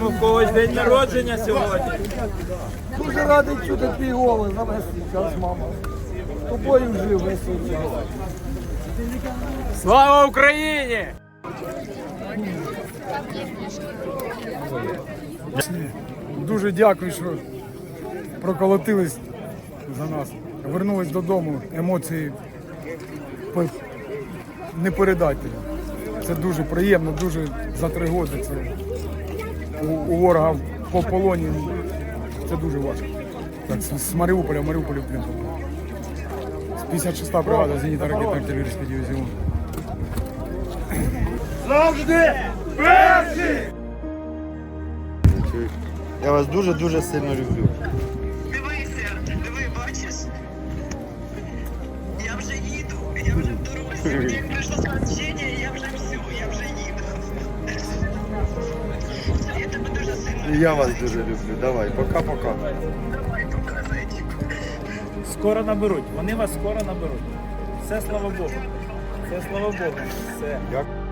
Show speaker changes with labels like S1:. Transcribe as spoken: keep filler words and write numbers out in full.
S1: Вітаємо, в когось день народження сьогодні.
S2: Дуже радий чути твій голос за весь цей час, мама. З тобою жив весь цей час.
S1: Слава Україні!
S3: Дуже дякую, що проколотились за нас. Вернулись додому, емоції по- не передати. Це дуже приємно, дуже за три роки. Це у, у ворога по полоні. Це дуже важко. Так, з, з Маріуполя, в Маріуполі в плен попав. З п'ятдесят шоста бригада зенітно-ракетно-артилерійський дивізіон.
S4: Я вас дуже-дуже сильно люблю.
S5: Дивися, диви, бачиш? Я вже їду, я вже в дорозі. Як прийшло сповіщення, я вже все, я вже їду. Я тебе дуже сильно
S4: І я вас дуже люблю. Давай, пока-пока.
S5: Давай, пока, зайчик.
S1: Скоро наберуть, вони вас скоро наберуть. Все, слава Богу. Все, слава Богу. Все.
S4: Дякую.